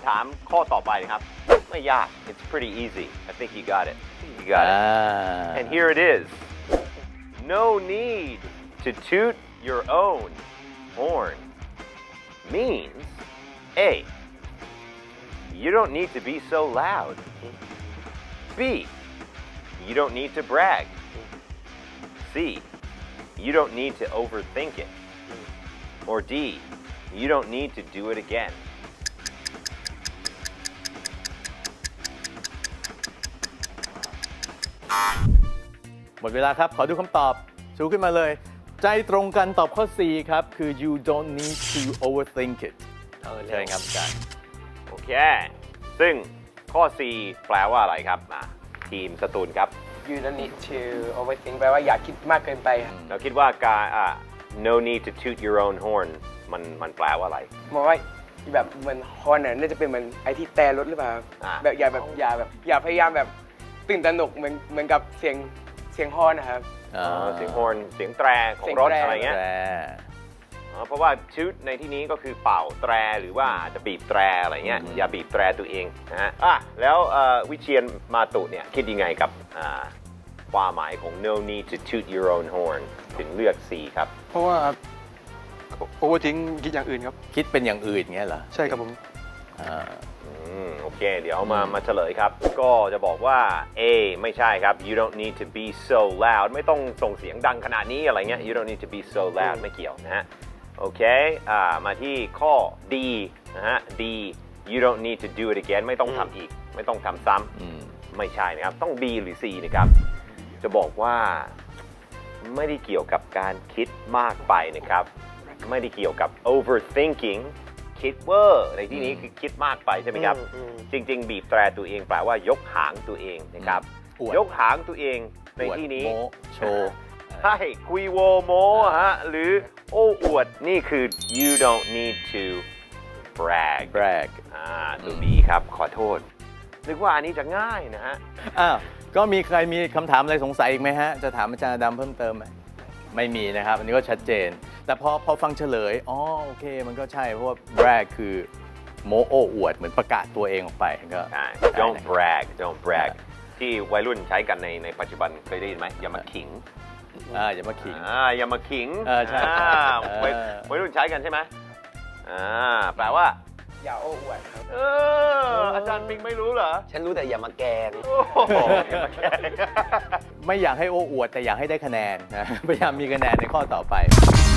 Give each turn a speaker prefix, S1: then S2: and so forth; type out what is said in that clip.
S1: ามข้อต่อไปครับไม่ยาก it's pretty easy I think you got it you got it and here it is no need to toot your own horn means A you don't need to be so loud B you don't need to brag C you don't need to overthink it or D you don't need to do it again
S2: หมดเวลาครับ ขอดูคำตอบชูขึ้นมาเลย ใจตรงกันตอบข้อ C ครับ คือ you don't need to overthink it ใช่ครับอาจารย์
S1: โอเค ซึ่งข้อ C แปลว่าอะไรครับทีมสตูลครับ
S3: you don't need to overthink แปลว่าอย่าคิดมากเกินไปครับ
S1: เราคิดว่าการno need to toot your own horn มันแปลว่าอะไร
S3: มองว่าแบบเหมือนฮอนน่าจะเป็นเหมือนไอ้ที่แต่รถหรือเปล่าแบบอย่าพยายามแบบตื่นตระหนกเหมือนกับเสียงฮอนนะครับ
S1: เสียงฮอร์นเสียงแตรของรถ
S3: เสียงแตร
S1: อะไรเงี้ยเพราะว่าชูดในที่นี้ก็คือเป่าแตรหรือว่าจะบีบแตรอะไรเงี้ยอย่าบีบแตรตัวเองนะฮะแล้ววิเชียรมาตุเนี่ยคิดยังไงกับความหมายของ no need to toot your own horn ถึงเลือก C ครับ
S4: เพราะว่าโอเวอร์ทิ้งคิดอย่างอื่นครับ
S2: คิดเป็นอย่างอื่นเงี้ยเหรอ
S4: ใช่ครับผม
S1: โอเค เดี๋ยวมาเฉลยครับ ก็จะบอกว่า A ไม่ใช่ครับ you don't need to be so loud ไม่ต้องส่งเสียงดังขนาดนี้อะไรเงี้ย you don't need to be so loud ไม่เกี่ยวนะฮะ โอเค มาที่ข้อ D นะฮะ D you don't need to do it again ไม่ต้องทำอีก ไม่ต้องทำซ้ำไม่ใช่นะครับ ต้อง B หรือ C นะครับ จะบอกว่าไม่ได้เกี่ยวกับการคิดมากไปนะครับ ไม่ได้เกี่ยวกับ overthinking คิดเวอร์ในที่นี้คือคิดมากไปใช่ไหมครับ จริงๆ บีบแตรตัวเองแปลว่ายกหางตัวเองนะครับ ยกหางตัวเองในที่นี้
S2: อวดโม้โชว์
S1: ใช่คุยโวโมฮะหรือโอ้อวดนี่คือ you don't need to brag
S2: brag
S1: ตัว B ครับขอโทษนึกว่าอันนี้จะง่ายนะฮะ
S2: อ้าว ก็มีใครมีคำถามอะไรสงสัยอีกไหมฮะ จะถามอาจารย์ดำเพิ่มเติมไหมไม่มีนะครับ อันนี้ก็ชัดเจน แต่พอฟังเฉลย อ๋อ โอเค มันก็ใช่ เพราะว่า brag คือโมโอ้อวด เหมือนประกาศตัวเองออกไปก็
S1: ใช่ don't brag don't brag ที่วัยรุ่นใช้กันในปัจจุบันเคยได้ยินไหมอย่ามาขิง
S2: อย่ามาขิง
S1: อย่ามาขิง
S2: ใช่
S1: วัยรุ่นใช้กันใช่ไหมแปลว่า
S3: อย่าโอ้อวดครับ
S1: อาจารย์ปิงไม่รู้เหรอ
S3: ฉันรู้แต่อย่ามาแกง
S1: โอ้โหอย่ามาแกล้ง
S2: ไม่อยากให้โอ้อวด แต่อยากให้ได้คะแนนนะ พยายามมีคะแนนในข้อต่อไป